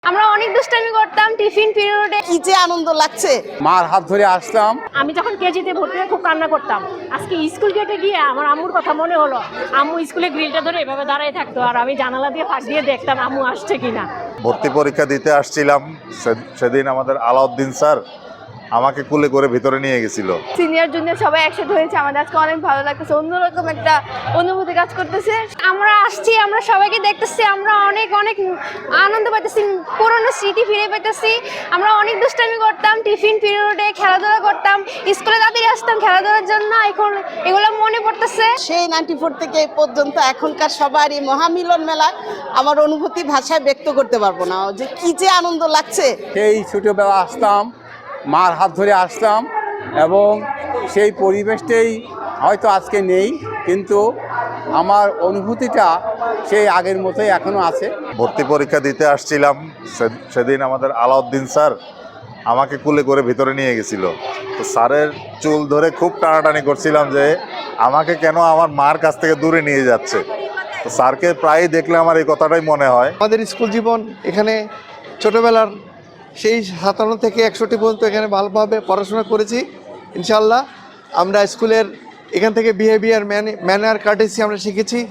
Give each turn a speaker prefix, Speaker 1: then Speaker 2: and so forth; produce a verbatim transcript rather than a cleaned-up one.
Speaker 1: আমরা অনেক দুষ্টামি করতাম টিফিন পিরিয়ডে।
Speaker 2: কি যে আনন্দ লাগছে।
Speaker 3: মার হাত ধরে আসতাম।
Speaker 4: আমি যখন কেজিতে ভর্তি হয়ে খুব কান্না করতাম। আজকে স্কুল গেটে গিয়ে আমার আম্মুর কথা মনে হলো। আম্মু স্কুলে গ্রিলটা ধরে এভাবে দাঁড়ায় থাকতো আর আমি জানালা দিয়ে ফাঁক দিয়ে দেখতাম আম্মু আসছে কিনা।
Speaker 5: ভর্তি পরীক্ষা দিতে আসছিলাম, সেদিন আমাদের আলাউদ্দিন স্যার আমাকে কুলে করে ভিতরে নিয়ে গেছিল।
Speaker 1: সিনিয়র জুনিয়র সবাই একসাথে হয়েছে, আমাদের আজকে অনেক ভালো লাগতেছে, অন্যরকম একটা অনুভূতি কাজ করতেছে। আমরা আসছি, আমরা সবাইকে দেখতেছি, আমরা অনেক অনেক আনন্দ পাইতেছি, পুরনো স্মৃতি ফিরে পাইতেছি। আমরা অনেক দুষ্টামি করতাম টিফিন পিরিয়ডে, খেলাধুলা করতাম, স্কুলে তাড়াতাড়ি আসতাম খেলাধুলার জন্য। এখন এগুলো মনে পড়তেছে।
Speaker 2: সেই নাইনটি ফোর থেকে এই পর্যন্ত এখনকার সবার এই মহামিলন মেলায় আমার অনুভূতি ভাষায় ব্যক্ত করতে পারবো না, যে কি যে আনন্দ লাগছে।
Speaker 3: সেই ছোটোবেলা আসতাম, মার হাত ধরে আসতাম এবং সেই পরিবেশটাই হয়তো আজকে নেই, কিন্তু আমার অনুভূতিটা সেই আগের মতোই এখনও আছে।
Speaker 5: ভর্তি পরীক্ষা দিতে আসছিলাম, সেদিন আমাদের আলাউদ্দিন স্যার আমাকে কুলে করে ভিতরে নিয়ে গেছিল। তো স্যারের চুল ধরে খুব টানাটানি করছিলাম যে আমাকে কেন আমার মার কাছ থেকে দূরে নিয়ে যাচ্ছে। তো স্যারকে প্রায়ই দেখলে আমার এই কথাটাই মনে হয়।
Speaker 6: আমাদের স্কুল জীবন এখানে ছোটোবেলার সেই সাতান্ন থেকে একষট্টি পর্যন্ত এখানে ভালোভাবে পড়াশোনা করেছি। ইনশাল্লাহ আমরা স্কুলের এখান থেকে বিহেভিয়ার ম্যানার কার্টেসি আমরা শিখেছি।